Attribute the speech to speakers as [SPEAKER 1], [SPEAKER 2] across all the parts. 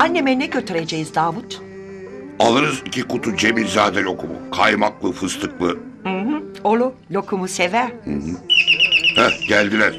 [SPEAKER 1] Anneme ne götüreceğiz Davut?
[SPEAKER 2] Alırız 2 kutu Cemilzade lokumu. Kaymaklı, fıstıklı.
[SPEAKER 1] Olur, lokumu sever.
[SPEAKER 2] Heh, geldiler.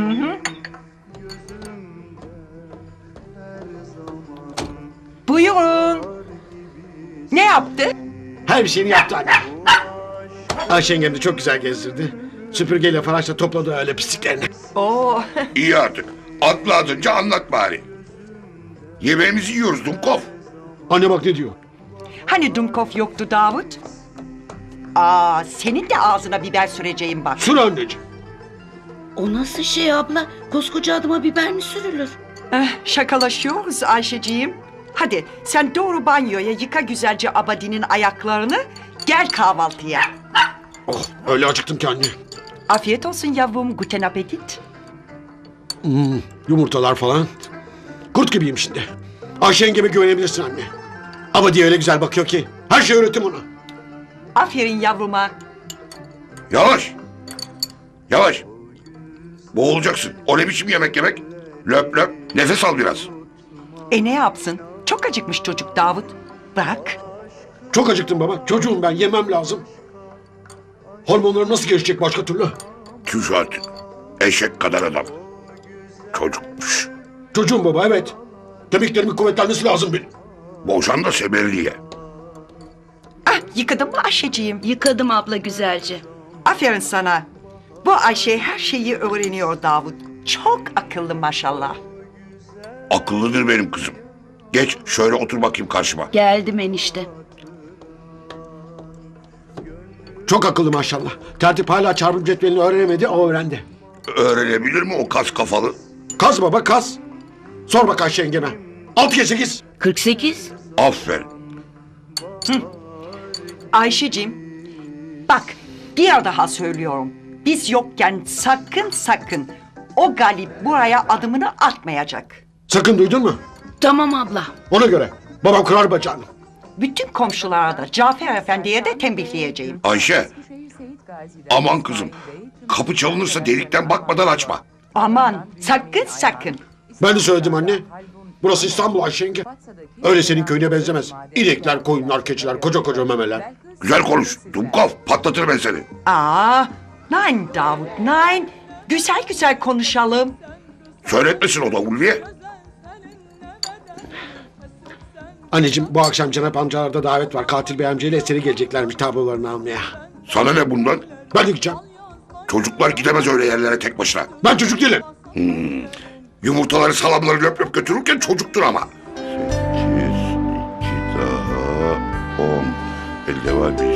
[SPEAKER 1] Buyurun. Ne yaptı?
[SPEAKER 3] Her bir şeyini yaptı anne. Ayşe yengem de çok güzel gezdirdi. Süpürgeyle faraşla topladı öyle pisliklerini.
[SPEAKER 1] Oo,
[SPEAKER 2] İyi artık. Atla adınca anlat bari. Yemeğimizi yiyoruz Dumkov.
[SPEAKER 3] Anne bak ne diyor.
[SPEAKER 1] hani Dumkov yoktu Davut? Aa, senin de ağzına biber süreceğim bak.
[SPEAKER 3] Sür anneciğim.
[SPEAKER 4] O nasıl şey abla? Koskoca adıma biber mi sürülür?
[SPEAKER 1] Şakalaşıyoruz Ayşeciğim. Hadi sen doğru banyoya yıka güzelce Abadi'nin ayaklarını. Gel kahvaltıya.
[SPEAKER 3] Oh öyle acıktım ki anne.
[SPEAKER 1] Afiyet olsun yavrum, guten appetit.
[SPEAKER 3] Yumurtalar falan. Kurt gibiyim şimdi. Ayşe yengeme güvenebilirsin anne. Ama diye öyle güzel bakıyor ki. Her şey öğrettim ona.
[SPEAKER 1] Aferin yavruma.
[SPEAKER 2] Yavaş. Yavaş. Boğulacaksın. O ne biçim yemek yemek? Löp löp. Nefes al biraz.
[SPEAKER 1] Ne yapsın? Çok acıkmış çocuk Davut. Bırak.
[SPEAKER 3] Çok acıktım baba. Çocuğum ben, yemem lazım. Hormonlarım nasıl gelişecek başka türlü?
[SPEAKER 2] Tüş artık. Eşek kadar adam. Çocukmuş.
[SPEAKER 3] Çocuğum baba, evet. Kemiklerimin kuvvetlenmesi lazım benim.
[SPEAKER 2] Boşan da semerliğe.
[SPEAKER 1] Ah, yıkadın mı Ayşeciğim?
[SPEAKER 4] Yıkadım abla güzelce.
[SPEAKER 1] Aferin sana. Bu Ayşe her şeyi öğreniyor Davut. Çok akıllı maşallah.
[SPEAKER 2] Akıllıdır benim kızım. Geç şöyle otur bakayım karşıma.
[SPEAKER 4] Geldim enişte.
[SPEAKER 3] Çok akıllı maşallah. Tertip hala çarpım cetvelini öğrenemedi, o öğrendi.
[SPEAKER 2] Öğrenebilir mi o kas kafalı?
[SPEAKER 3] Kaz baba, kaz. Sor bak Ayşe yengeme. 6 kez 8.
[SPEAKER 4] 48.
[SPEAKER 2] Aferin.
[SPEAKER 1] Ayşeciğim, bak bir daha söylüyorum. Biz yokken sakın o Galip buraya adımını atmayacak.
[SPEAKER 3] Sakın, duydun mu?
[SPEAKER 4] Tamam abla.
[SPEAKER 3] Ona göre. Babam kırar bacağını.
[SPEAKER 1] Bütün komşulara da Cafer Efendi'ye de tembihleyeceğim.
[SPEAKER 2] Ayşe. Aman kızım. Kapı çalınırsa delikten bakmadan açma.
[SPEAKER 1] Aman sakın.
[SPEAKER 3] Ben de söyledim anne. Burası İstanbul Ayşe yenge. Öyle senin köyüne benzemez. İnekler, koyunlar, keçiler, koca memeler.
[SPEAKER 2] Güzel konuş. Dumkov patlatır ben seni.
[SPEAKER 1] Aa, nein Davut, nein. Güzel konuşalım.
[SPEAKER 2] Söyletmesin o da Ulviye.
[SPEAKER 3] Anneciğim, bu akşam Cenap amcalarda davet var. Katil bey amcayla Eser'i geleceklermiş tablolarını almaya.
[SPEAKER 2] Sana ne bundan?
[SPEAKER 3] Ben de gideceğim.
[SPEAKER 2] Çocuklar gidemez öyle yerlere tek başına.
[SPEAKER 3] Ben çocuk değilim.
[SPEAKER 2] Yumurtaları salamları löp löp götürürken çocuktur ama. 8, 2 daha 10. Elde var 1.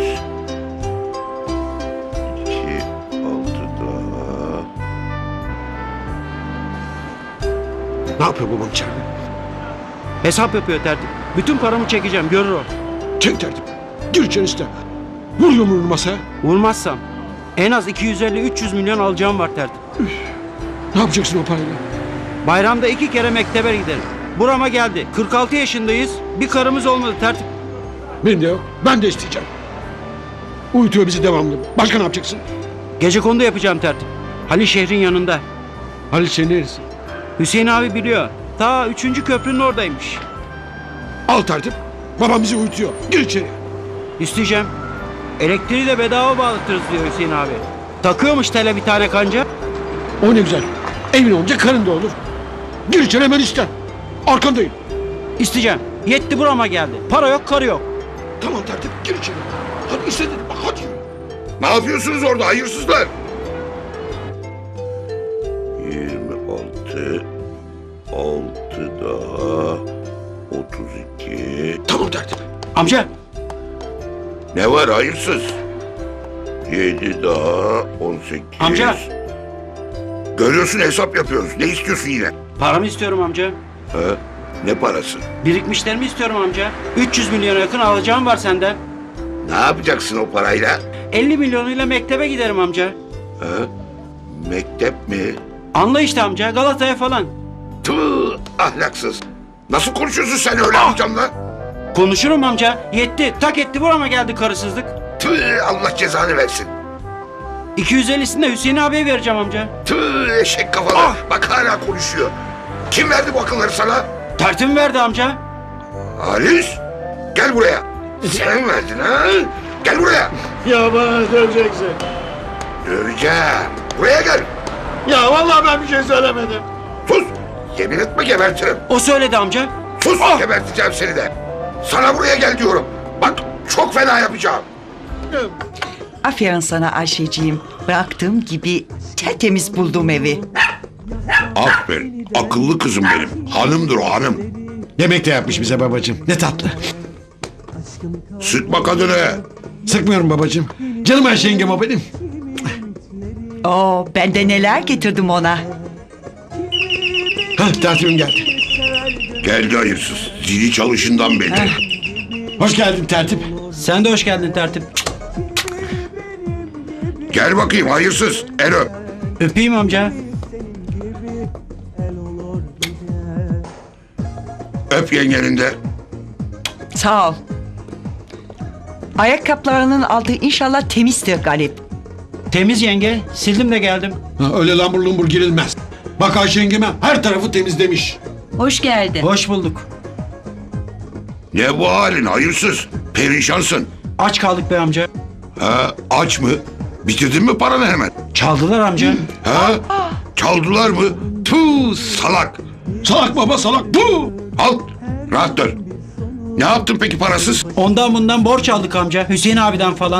[SPEAKER 2] 2, 6 daha.
[SPEAKER 3] Ne yapıyor babam içeride?
[SPEAKER 5] Hesap yapıyor tertip. Bütün paramı çekeceğim, görür o.
[SPEAKER 3] Çek tertip. Gir içeri iste. Vur yumruğunu masaya.
[SPEAKER 5] Vurmazsam en az 250-300 milyon alacağım var tertip.
[SPEAKER 3] Ne yapacaksın o parayla?
[SPEAKER 5] Bayramda 2 kere mektebe giderim. Burama geldi. 46 yaşındayız. Bir karımız olmadı tertip.
[SPEAKER 3] Benim de yok. Ben de isteyeceğim. Uyutuyor bizi devamlı. Başka ne yapacaksın?
[SPEAKER 5] Gecekondu yapacağım tertip. Halil şehrin yanında.
[SPEAKER 3] Halil senin neresi?
[SPEAKER 5] Hüseyin abi biliyor. Ta 3. köprünün oradaymış.
[SPEAKER 3] Al tertip. Babam bizi uyutuyor. Gir içeri.
[SPEAKER 5] İsteyeceğim. Elektriği de bedava bağlatırız diyor Hüseyin abi. Takıyormuş tele bir tane kanca.
[SPEAKER 3] O ne güzel. Evin olunca karın da olur. Gir içeri hemen iste. Arkandayım.
[SPEAKER 5] İsteyeceğim. Yetti burama geldi. Para yok, karı yok.
[SPEAKER 3] Tamam tertip, gir içeri. Hadi iste dedim. Bak hadi yürü.
[SPEAKER 2] Ne yapıyorsunuz orada hayırsızlar? 26, 6 daha 32.
[SPEAKER 3] Tamam tertip.
[SPEAKER 5] Amca.
[SPEAKER 2] Ne var hayırsız? 7 daha 18.
[SPEAKER 5] Amca.
[SPEAKER 2] Görüyorsun hesap yapıyoruz. Ne istiyorsun yine?
[SPEAKER 5] Paramı istiyorum amca.
[SPEAKER 2] Ha? Ne parası?
[SPEAKER 5] Birikmişlerimi istiyorum amca. 300 milyona yakın alacağım var senden.
[SPEAKER 2] Ne yapacaksın o parayla?
[SPEAKER 5] 50 milyonuyla mektebe giderim amca.
[SPEAKER 2] Ha? Mektep mi?
[SPEAKER 5] Anla işte amca, Galata'ya falan.
[SPEAKER 2] Tüh, ahlaksız. Nasıl konuşuyorsun sen öyle amcamla?
[SPEAKER 5] Konuşurum amca. Yetti. Tak etti burama geldi karısızlık.
[SPEAKER 2] Tüh, Allah cezanı versin.
[SPEAKER 5] 250'sini de Hüseyin abiye vereceğim amca.
[SPEAKER 2] Tüh, eşek kafalı. Bak hala konuşuyor. Kim verdi bu akılları sana?
[SPEAKER 5] Tertip verdi amca.
[SPEAKER 2] Halis, gel buraya. Sen verdin ha? Gel buraya.
[SPEAKER 3] Ya bana döveceksin.
[SPEAKER 2] Döveceğim. Buraya gel.
[SPEAKER 3] Ya vallahi ben bir şey söylemedim.
[SPEAKER 2] Sus. Yemin etme gebertirim.
[SPEAKER 5] O söyledi amca.
[SPEAKER 2] Sus geberteceğim seni de. Sana buraya gel diyorum. Bak çok fena yapacağım.
[SPEAKER 1] Aferin sana Ayşeciğim. Bıraktığım gibi tertemiz buldum evi.
[SPEAKER 2] Aferin. Akıllı kızım benim. Hanımdır o hanım.
[SPEAKER 3] Yemek de yapmış bize babacığım. Ne tatlı.
[SPEAKER 2] Sıkma kadını.
[SPEAKER 3] Sıkmıyorum babacığım. Canım Ayşe yengem o benim.
[SPEAKER 1] Oo, ben de neler getirdim ona.
[SPEAKER 3] Hah tertibim geldi.
[SPEAKER 2] Geldi hayırsız. Zili çalışından belli.
[SPEAKER 3] Hoş geldin tertip.
[SPEAKER 5] Sen de hoş geldin tertip.
[SPEAKER 2] Gel bakayım hayırsız. El öp.
[SPEAKER 5] Öpeyim amca.
[SPEAKER 2] Öp yengenin de.
[SPEAKER 1] Sağ ol. Ayakkabılarının altı inşallah temizdir Galip.
[SPEAKER 5] Temiz yenge. Sildim de geldim.
[SPEAKER 3] Ha, öyle lambur lumbur girilmez. Bak Ayşe yengeme her tarafı temizlemiş.
[SPEAKER 4] Hoş geldin.
[SPEAKER 5] Hoş bulduk.
[SPEAKER 2] Ne bu halin hayırsız? Perişansın.
[SPEAKER 5] Aç kaldık be amca.
[SPEAKER 2] Ha, aç mı? Bitirdin mi paranı hemen?
[SPEAKER 5] Çaldılar amca.
[SPEAKER 2] Ha? Çaldılar mı? Tüh salak.
[SPEAKER 3] Salak baba salak. Bu.
[SPEAKER 2] Al. Rahat dur. Ne yaptın peki parasız?
[SPEAKER 5] Ondan bundan borç aldık amca. Hüseyin abiden falan.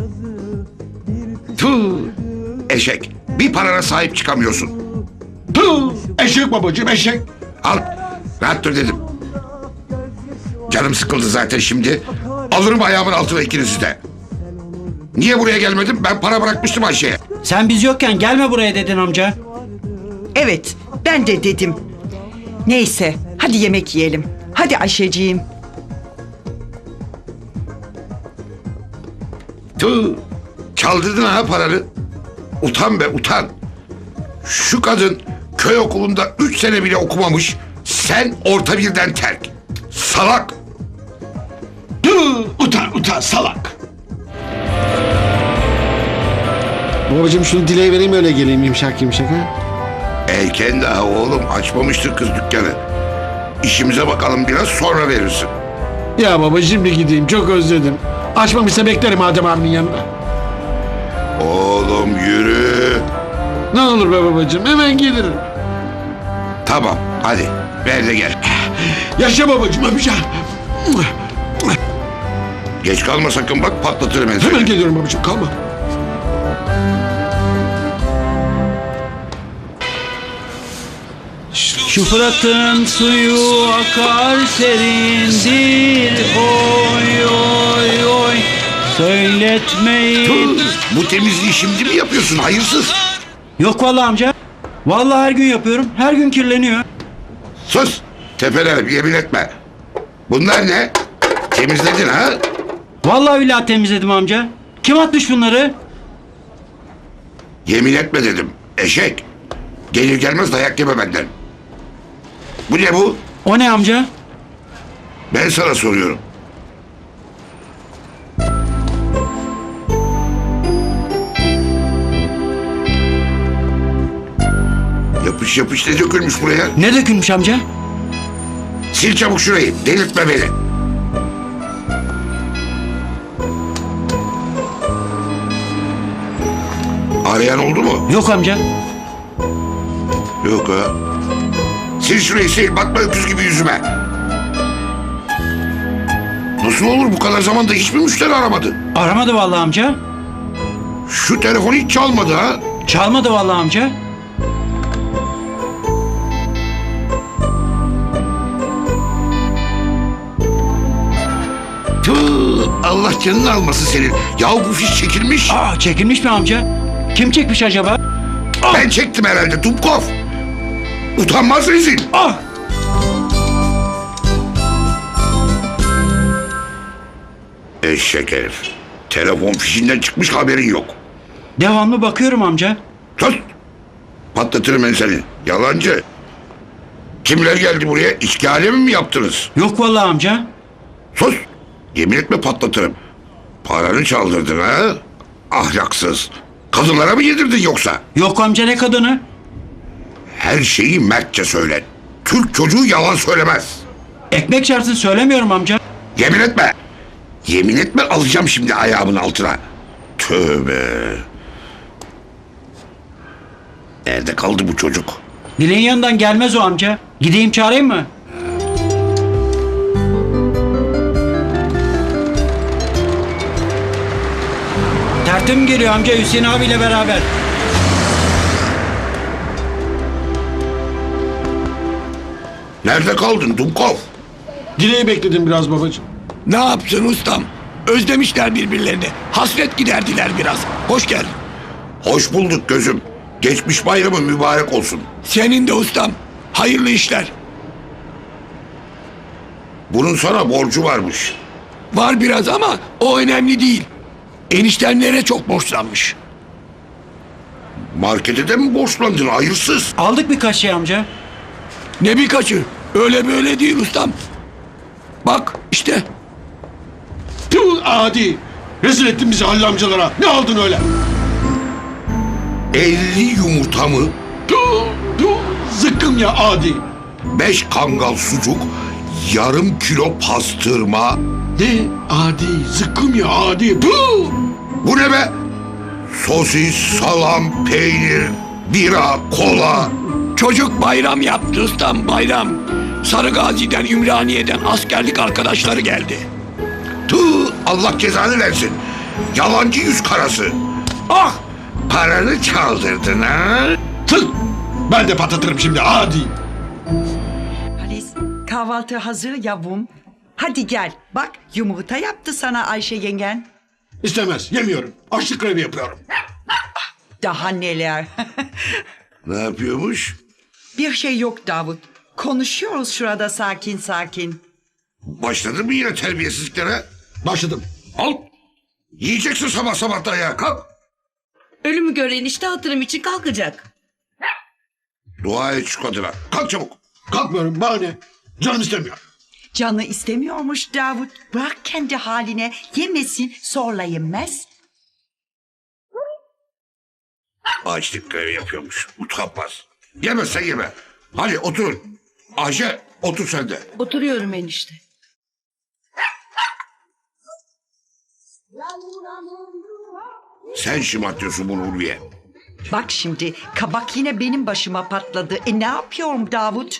[SPEAKER 2] Tüh. Eşek. Bir parana sahip çıkamıyorsun.
[SPEAKER 3] Tüh. Eşek babacığım eşek.
[SPEAKER 2] Al. Rahat dur dedim. Canım sıkıldı zaten şimdi. Alırım ayağımın altına ikinizi de. Niye buraya gelmedim? Ben para bırakmıştım Ayşe'ye.
[SPEAKER 5] Sen biz yokken gelme buraya dedin amca.
[SPEAKER 1] Evet, ben de dedim. Neyse, hadi yemek yiyelim. Hadi Ayşeciğim.
[SPEAKER 2] Tüh. Çaldırdın ha paranı. Utan be utan. Şu kadın köy okulunda 3 sene bile okumamış. Sen orta birden terk. Salak.
[SPEAKER 3] Tüh. Utan salak. Babacığım şunu dileği vereyim öyle geleyim yumuşak yumuşak ha.
[SPEAKER 2] Erken daha oğlum açmamıştır kız dükkanı. İşimize bakalım biraz sonra verirsin.
[SPEAKER 3] Ya babacığım bir gideyim çok özledim. Açmamışsa beklerim Adem abinin yanında.
[SPEAKER 2] Oğlum yürü.
[SPEAKER 3] Ne olur be babacığım hemen gelirim.
[SPEAKER 2] Tamam hadi ver de gel.
[SPEAKER 3] Yaşa babacığım öpeceğim.
[SPEAKER 2] Geç kalma sakın bak patlatırım ben seni.
[SPEAKER 3] Hemen geliyorum babacığım kalma.
[SPEAKER 5] Şu Fırat'ın suyu akar serindir. Oy oy oy. Söyletmeyin.
[SPEAKER 2] Tüh, bu temizliği şimdi mi yapıyorsun hayırsız?
[SPEAKER 5] Yok vallahi amca. Vallahi her gün yapıyorum. Her gün kirleniyor.
[SPEAKER 2] Sus tepelerim yemin etme. Bunlar ne? Temizledin ha?
[SPEAKER 5] Vallahi billahi temizledim amca. Kim atmış bunları?
[SPEAKER 2] Yemin etme dedim eşek. Gelir gelmez dayak yeme benden. Bu ne bu?
[SPEAKER 5] O ne amca?
[SPEAKER 2] Ben sana soruyorum. Yapış yapış ne dökülmüş buraya?
[SPEAKER 5] Ne dökülmüş amca?
[SPEAKER 2] Sil çabuk şurayı. Delirtme beni. Arayan oldu mu?
[SPEAKER 5] Yok amca.
[SPEAKER 2] Yok ha. Sil şurayı sil. Bakma öküz gibi yüzüme. Nasıl olur bu kadar zamanda hiçbir müşteri aramadı?
[SPEAKER 5] Aramadı vallahi amca.
[SPEAKER 2] Şu telefon hiç çalmadı ha.
[SPEAKER 5] Çalmadı vallahi amca.
[SPEAKER 2] Tüh, Allah canını almasın senin. Yahu bu fiş çekilmiş.
[SPEAKER 5] Aa, çekilmiş mi amca? Kim çekmiş acaba?
[SPEAKER 2] Ben çektim herhalde Dubkov. Utanmaz rezil.
[SPEAKER 5] Ah!
[SPEAKER 2] Eşek herif. Telefon fişinden çıkmış haberin yok.
[SPEAKER 5] Devamlı bakıyorum amca.
[SPEAKER 2] Sus. Patlatırım ben seni. Yalancı. Kimler geldi buraya? İçki alemi mi yaptınız?
[SPEAKER 5] Yok vallahi amca.
[SPEAKER 2] Sus. Yemin etme patlatırım. Paranı çaldırdın ha? Ahlaksız. Kadınlara mı yedirdin yoksa?
[SPEAKER 5] Yok amca ne kadını?
[SPEAKER 2] Her şeyi mertçe söyle. Türk çocuğu yalan söylemez.
[SPEAKER 5] Ekmek çarpsın söylemiyorum amca.
[SPEAKER 2] Yemin etme. Yemin etme, alacağım şimdi ayağımın altına. Tövbe. Nerede kaldı bu çocuk?
[SPEAKER 5] Dilin yanından gelmez o amca. Gideyim çağırayım mı? Tertip geliyor amca Hüseyin abiyle beraber.
[SPEAKER 2] Nerede kaldın Dumkov?
[SPEAKER 3] Dileği bekledim biraz babacığım.
[SPEAKER 6] Ne yapsın ustam? Özlemişler birbirlerini. Hasret giderdiler biraz. Hoş geldin.
[SPEAKER 2] Hoş bulduk gözüm. Geçmiş bayramı mübarek olsun.
[SPEAKER 6] Senin de ustam. Hayırlı işler.
[SPEAKER 2] Bunun sana borcu varmış.
[SPEAKER 6] Var biraz ama o önemli değil. Eniştenlere çok borçlanmış.
[SPEAKER 2] Markete de mi borçlandın hayırsız?
[SPEAKER 5] Aldık birkaç şey amca.
[SPEAKER 6] Ne birkaçı? Öyle böyle değil ustam. Bak işte.
[SPEAKER 3] Tüh adi. Rezil ettin bizi Halil amcalara. Ne aldın öyle?
[SPEAKER 2] 50 yumurta mı?
[SPEAKER 3] Tüh, tüh. Zıkkım ya adi.
[SPEAKER 2] 5 kangal sucuk, yarım kilo pastırma.
[SPEAKER 3] Ne? Adi. Zıkkım ya adi. Tüh.
[SPEAKER 2] Bu ne be? Sosis, salam, peynir, bira, kola.
[SPEAKER 6] Çocuk bayram yaptı ustam, bayram. Sarıgazi'den, Ümraniye'den askerlik arkadaşları geldi.
[SPEAKER 2] Tüh, Allah cezanı versin. Yalancı yüz karası. Ah, paranı çaldırdın ha?
[SPEAKER 3] Tüh. Ben de patlatırım şimdi adi.
[SPEAKER 1] Halis, kahvaltı hazır yavrum. Hadi gel. Bak yumurta yaptı sana Ayşe yengen.
[SPEAKER 3] İstemez. Yemiyorum. Açlık grevi yapıyorum.
[SPEAKER 1] Daha neler.
[SPEAKER 2] Ne yapıyormuş?
[SPEAKER 1] Bir şey yok Davut. Konuşuyoruz şurada sakin sakin.
[SPEAKER 2] Başladın mı yine terbiyesizliklere?
[SPEAKER 3] Başladım.
[SPEAKER 2] Al. Yiyeceksin sabah sabah da ya. Kalk.
[SPEAKER 4] Ölümü gören işte hatırım için kalkacak.
[SPEAKER 2] Dua et şu kadına. Kalk çabuk.
[SPEAKER 3] Kalkmıyorum. Bana ne? Canım istemiyor.
[SPEAKER 1] Canı istemiyormuş Davut. Bırak kendi haline. Yemesin zorla yenmez.
[SPEAKER 2] Açlık grevi yapıyormuş. Utanmaz. Yemezsen yeme. Hadi otur. Ayşe otur sen de.
[SPEAKER 4] Oturuyorum enişte.
[SPEAKER 2] Sen şımartıyorsun bunu Ulviye.
[SPEAKER 1] Bak şimdi kabak yine benim başıma patladı. Ne yapıyorum Davut?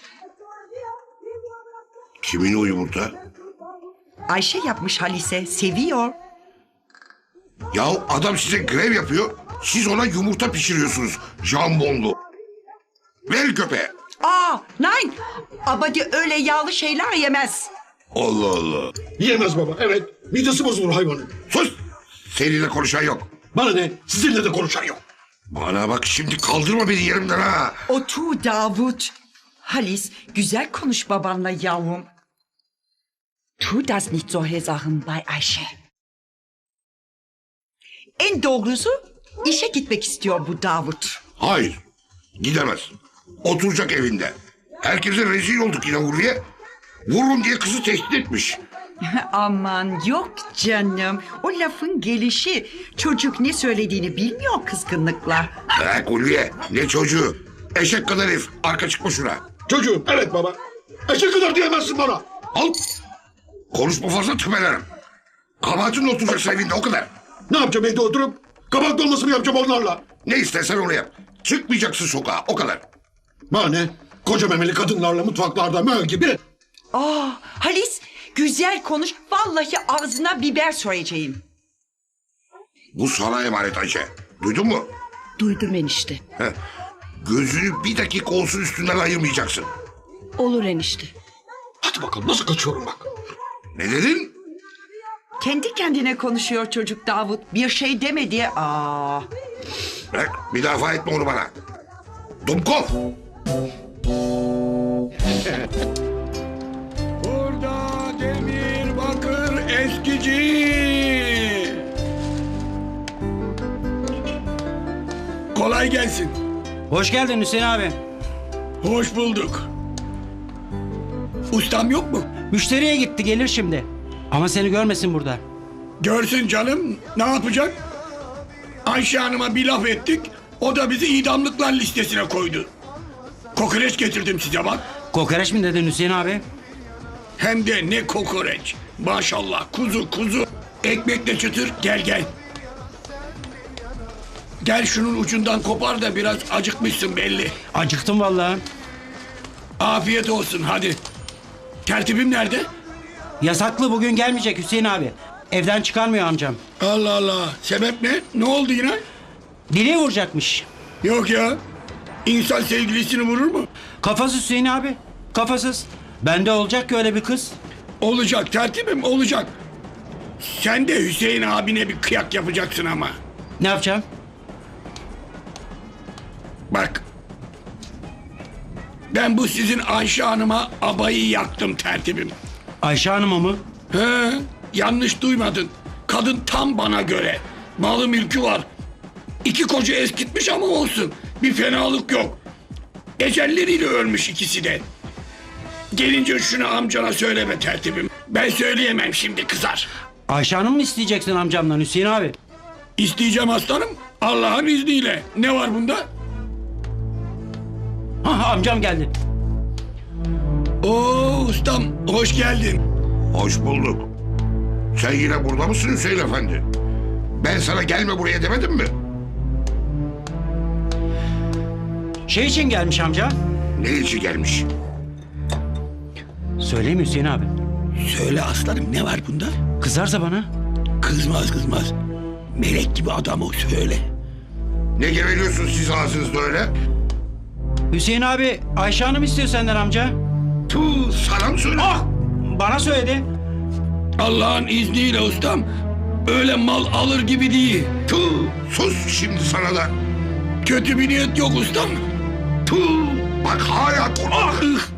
[SPEAKER 2] Kimin o yumurta?
[SPEAKER 1] Ayşe yapmış Halis'e. Seviyor.
[SPEAKER 2] Ya adam size grev yapıyor. Siz ona yumurta pişiriyorsunuz. Jambonlu. Ver köpeğe.
[SPEAKER 1] Aa, nein. Abadi öyle yağlı şeyler yemez.
[SPEAKER 2] Allah Allah.
[SPEAKER 3] Yiyemez baba. Evet. Midesi bozulur hayvanın.
[SPEAKER 2] Sus. Seninle konuşan yok.
[SPEAKER 3] Bana ne? Sizinle de konuşan yok.
[SPEAKER 2] Bana bak şimdi kaldırma beni yerimden ha.
[SPEAKER 1] Otur Davut. Halis, güzel konuş babanla yavrum. Tu das nicht solche Sachen bei Ayşe. En doğrusu işe gitmek istiyor bu Davut.
[SPEAKER 2] Hayır. Gidemez. Oturacak evinde. Herkese rezil olduk yine Ulviye. Vururum diye kızı tehdit etmiş.
[SPEAKER 1] Aman yok canım. O lafın gelişi. Çocuk ne söylediğini bilmiyor kızgınlıkla.
[SPEAKER 2] Bırak Ulviye. Ne çocuğu. Eşek kadar herif. Arka çıkma şuna.
[SPEAKER 3] Çocuğum. Evet baba. Eşek kadar diyemezsin bana.
[SPEAKER 2] Al. Konuşma fazla tüpelerim. Kabahatinle oturacaksın evinde o kadar.
[SPEAKER 3] Ne yapacağım evde oturup? Kabak dolması mı yapacağım onlarla?
[SPEAKER 2] Ne istersen onu yap. Çıkmayacaksın sokağa o kadar.
[SPEAKER 3] Bana ne? Koca memeli kadınlarla mutfaklarda möl gibi.
[SPEAKER 1] Aa, Halis güzel konuş. Vallahi ağzına biber söyleyeceğim.
[SPEAKER 2] Bu sana emanet Ayşe. Duydun mu?
[SPEAKER 4] Duydum enişte.
[SPEAKER 2] Heh. Gözünü bir dakika olsun üstünden ayırmayacaksın.
[SPEAKER 4] Olur enişte.
[SPEAKER 3] Hadi bakalım nasıl kaçıyorum bak.
[SPEAKER 2] Ne dedin?
[SPEAKER 1] Kendi kendine konuşuyor çocuk Davut. Bir şey demedi. Aa.
[SPEAKER 2] Bırak müdafaa etme onu bana. Dumkov.
[SPEAKER 6] Burada demir bakır eskici. Kolay gelsin.
[SPEAKER 5] Hoş geldin Hüseyin abi.
[SPEAKER 6] Hoş bulduk. Ustam yok mu?
[SPEAKER 5] Müşteriye gitti gelir şimdi. Ama seni görmesin burada.
[SPEAKER 6] Görsün canım. Ne yapacak? Ayşe Hanım'a bir laf ettik. O da bizi idamlıklar listesine koydu. Kokoreç getirdim size bak.
[SPEAKER 5] Kokoreç mi dedin Hüseyin abi?
[SPEAKER 6] Hem de ne kokoreç. Maşallah kuzu kuzu. Ekmekle çıtır gel gel. Gel şunun ucundan kopar da biraz acıkmışsın belli.
[SPEAKER 5] Acıktım vallahi.
[SPEAKER 6] Afiyet olsun hadi. Tertibim nerede?
[SPEAKER 5] Yasaklı bugün gelmeyecek Hüseyin abi. Evden çıkarmıyor amcam.
[SPEAKER 6] Allah Allah. Sebep ne? Ne oldu yine?
[SPEAKER 5] Dileği vuracakmış.
[SPEAKER 6] Yok ya. İnsan sevgilisini vurur mu?
[SPEAKER 5] Kafasız Hüseyin abi. Kafasız. Bende olacak ki öyle bir kız.
[SPEAKER 6] Olacak tertibim olacak. Sen de Hüseyin abine bir kıyak yapacaksın ama.
[SPEAKER 5] Ne yapacağım?
[SPEAKER 6] Bak. Ben bu sizin Ayşe Hanım'a abayı yaktım tertibim.
[SPEAKER 5] Ayşe Hanım'a mı?
[SPEAKER 6] He, yanlış duymadın. Kadın tam bana göre. Malı mülkü var. 2 koca eskitmiş ama olsun. Bir fenalık yok. Ecelleriyle ölmüş ikisi de. Gelince şunu amcana söyleme tertibim. Ben söyleyemem şimdi kızar.
[SPEAKER 5] Ayşe Hanım mı isteyeceksin amcamdan Hüseyin abi?
[SPEAKER 6] İsteyeceğim aslanım. Allah'ın izniyle. Ne var bunda?
[SPEAKER 5] Hah, amcam geldi.
[SPEAKER 6] Oo ustam hoş geldin.
[SPEAKER 2] Hoş bulduk. Sen yine burada mısın Hüseyin Efendi? Ben sana gelme buraya demedim mi?
[SPEAKER 5] Şey için gelmiş amca.
[SPEAKER 2] Ne için gelmiş?
[SPEAKER 5] Söyleyeyim mi Hüseyin abi?
[SPEAKER 6] Söyle aslanım ne var bunda?
[SPEAKER 5] Kızarsa bana.
[SPEAKER 6] Kızmaz kızmaz. Melek gibi adam o söyle.
[SPEAKER 2] Ne geveliyorsunuz siz ağzınızda öyle?
[SPEAKER 5] Hüseyin abi Ayşe Hanım istiyor senden amca.
[SPEAKER 2] Tuh, sana mı söyle?
[SPEAKER 5] Ah! Bana söyledi.
[SPEAKER 6] Allah'ın izniyle ustam. Öyle mal alır gibi değil.
[SPEAKER 2] Tuh, sus şimdi sana da.
[SPEAKER 6] Kötü bir niyet yok ustam.
[SPEAKER 2] Tuh, bak hala konuş.